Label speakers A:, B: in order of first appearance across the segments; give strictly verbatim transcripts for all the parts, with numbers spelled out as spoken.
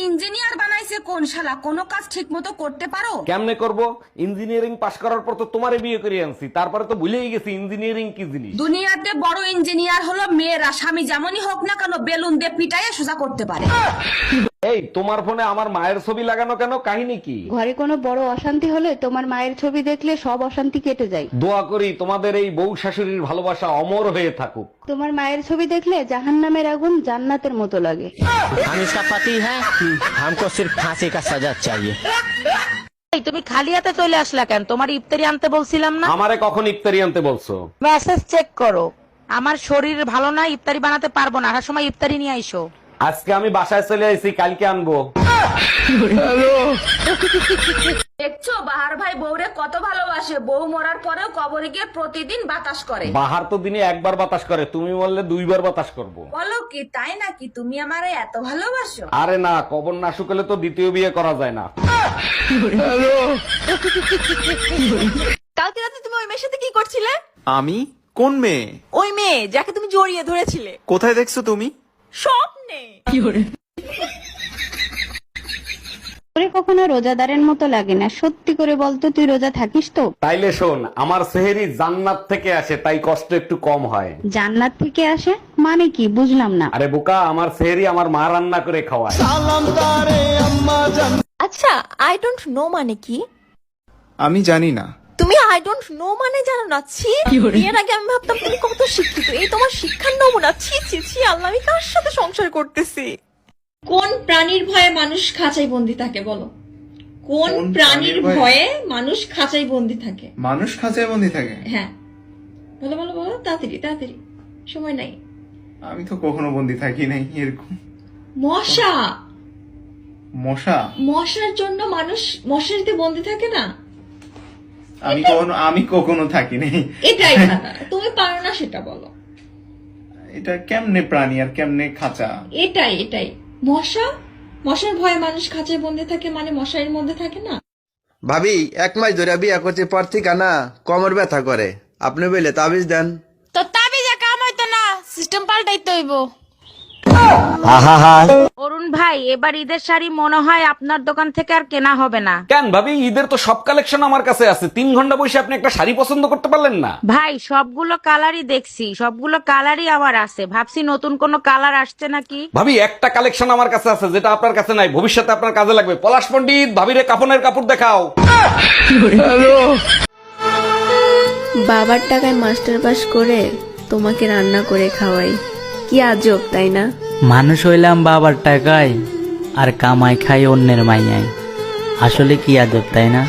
A: Engineer বানাইছে কোন শালা, কোনো কাজ ঠিক মতো করতে পারো?
B: কেমনে করব? ইঞ্জিনিয়ারিং পাশ করার পর তো তোমারে বিয়ে করে আনছি, তারপরে তো ভুলেই গেছি ইঞ্জিনিয়ারিং কি জিনিস।
A: দুনিয়াতে বড় ইঞ্জিনিয়ার হলো মেয়েরা, স্বামী যেমনই হোক না কেন বেলুন দিয়ে পিটাইয়ে সোজা করতে পারে।
B: এই তোমার ফোনে আমার মায়ের ছবি লাগানো কেন, কাহিনী কি?
C: ঘরে কোনো বড় অশান্তি হলে তোমার মায়ের ছবি দেখলে সব অশান্তি কেটে যায়।
B: দোয়া করি তোমাদের এই বউ শাশুড়ির ভালোবাসা অমর হয়ে থাকুক।
C: তোমার মায়ের ছবি দেখলে জাহান্নামের আগুন জান্নাতের মতো লাগে।
D: हम इसका पति है, हमको सिर्फ फांसी का सजा चाहिए।
E: তুমি খালি হাতে চলে আসলা কেন? তোমার ইফতারি আনতে বলছিলাম না?
B: আমারে কখন ইফতারি আনতে বলছো?
E: মেসেজ চেক করো। আমার শরীর ভালো না, ইফতারি বানাতে পারবো না, আসার সময় ইফতারি নিয়ে আইসো।
B: আজকে আমি বাসায় চলে আইছি, কালকে আনবো।
A: দেখছো বাহার ভাই বউরে কত ভালোবাসে, বউ মরার পরেও কবরে গিয়ে প্রতিদিন বাতাস করে।
B: বাহার তো দিনে একবার বাতাস করে, তুমি বললে দুইবার বাতাস করব।
A: বলো কি তাই নাকি? তুমি আমারে এত ভালোবাসো?
B: আরে না, কবর না শুকলে তো দ্বিতীয় বিয়ে করা যায় না।
F: কালকে রাতে তুমি ওই মেয়ের সাথে কি করছিলে?
G: আমি? কোন মেয়ে?
F: ওই মেয়ে যাকে তুমি জড়িয়ে ধরেছিলে।
G: কোথায় দেখছো তুমি?
F: স্বপ্নে।
C: তোরে কখনো রোজাদারের মতো লাগে না, সত্যি করে বলতো তুই রোজা থাকিস তো?
B: তাইলে শোন, আমার সেহেরি জান্নাত থেকে আসে, তাই কষ্ট একটু কম হয়।
C: জান্নাত থেকে আসে মানে কি বুঝলাম না।
B: আরে বোকা, আমার সেহেরি আমার মা রান্না করে খাওয়ায়।
F: আচ্ছা, আই ডোন্ট নো মানে কি?
G: আমি জানি না।
F: তুমি আই ডোন্ট নো মানে জানো না? ছি, বিয়ের আগে আমি ভাবতাম তুমি কত শিক্ষিত, এই তোমার শিক্ষার নমুনা। ছি ছি ছি, আল্লাহ, আমি কার সাথে সংসার করতেছি? কোন প্রাণীর ভয়ে মানুষ খাঁচাই বন্দি থাকে বলো? কোন
G: কোন
F: প্রাণীর
G: প্রাণীর ভয়ে?
F: ভয়ে মানুষ খাঁচাই বন্দি থাকে?
G: মানুষ খাঁচায় বন্দি থাকে?
F: হ্যাঁ, বলো বলো বলো, তাড়াতাড়ি তাড়াতাড়ি, সময় নাই।
G: আমি তো কখনো বন্দি থাকি নাই এরকম।
F: মশা।
G: মশা?
F: মশার জন্য মানুষ মশারিতে বন্দি থাকে না?
G: আমি কখনো আমি কখনো থাকি নাই।
F: এটাই না, তুমি পারো না সেটা বলো।
G: এটা কেমনে প্রাণী আর কেমনে খাঁচা?
F: এটাই এটাই মশা। মশার ভয়ে মানুষ খাঁচায় বন্দি থাকে মানে মশারির মধ্যে থাকে না?
H: ভাবি এক মাস ধরে বিয়া করছে পর থেকে না কোমর ব্যথা করে, আপনি বলে তাবিজ দেন।
E: তো তাবিজে কাম হইতো না, সিস্টেম পাল্টাইতে হইব। অরুণ ভাই, এবার ঈদের শাড়ি মনে হয় আপনার দোকান থেকে আর কেনা হবে না।
B: কেন ভাবি, ঈদের তো সব কালেকশন আমার কাছে আছে। তিন ঘন্টা বসে আপনি একটা শাড়ি পছন্দ করতে পারলেন না?
E: ভাই, সবগুলো কালারই দেখছি, সবগুলো কালারই আমার আছে, ভাবছি নতুন কোনো কালার আসছে নাকি।
B: ভাবি, একটা কালেকশন আমার কাছে আছে যেটা আপনার কাছে নাই, ভবিষ্যতে আপনার কাজে লাগবে। পলাশ পণ্ডিত, ভাবিরে কাপনের কাপড় দেখাও।
I: বাবার টাকায় মাস্টার পাস করে তোমাকে রান্না করে খাওয়াই, কি আজব তাই না?
D: মানুষ হইলাম বাবার টাকায় আর কামাই খাই অন্যের মাইয়ায়, আসলে কি আদব তাই না?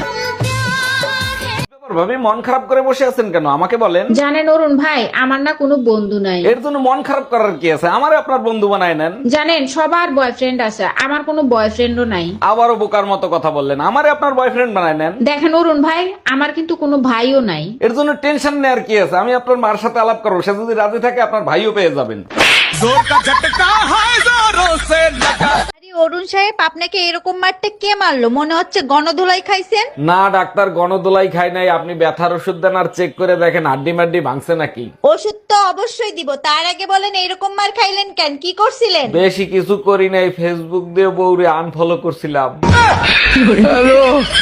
B: ভাবি, মন খারাপ করে বসে আছেন কেন, আমাকে বলেন।
E: জানেন অরুণ ভাই, আমার না কোনো বন্ধু নাই।
B: এর জন্য মন খারাপ করার কি আছে, আমারে আপনার বন্ধু বানায় নেন।
E: জানেন সবার বয়ফ্রেন্ড আছে, আমার কোনো বয়ফ্রেন্ডও নাই।
B: আবারও বোকার মতো কথা বললেন, আমারে আপনার বয়ফ্রেন্ড বানায় নেন।
E: দেখেন অরুণ ভাই, আমার কিন্তু কোনো ভাইও নাই।
B: এর জন্য টেনশন নেওয়ার কি আছে, আমি আপনার মার সাথে আলাপ করবো, সে যদি রাজি থাকে আপনার ভাইও পেয়ে যাবেন।
F: অরুণ সাহেব, আপনাকে এরকম মারতে কে মারলো? মনে হচ্ছে গণধোলাই খাইছেন।
B: না ডাক্তার, গণদোলাই খাই নাই। আপনি ব্যথার ওষুধ দেন আর চেক করে দেখেন হাড্ডি মাড্ডি ভাঙছে নাকি।
F: ওষুধ তো অবশ্যই দিব, তার আগে বলেন এরকম মার খাইলেন কেন? কি করছিলেন?
B: বেশি কিছু করি নাই, ফেসবুক দিয়ে বউরে আনফলো করছিলাম।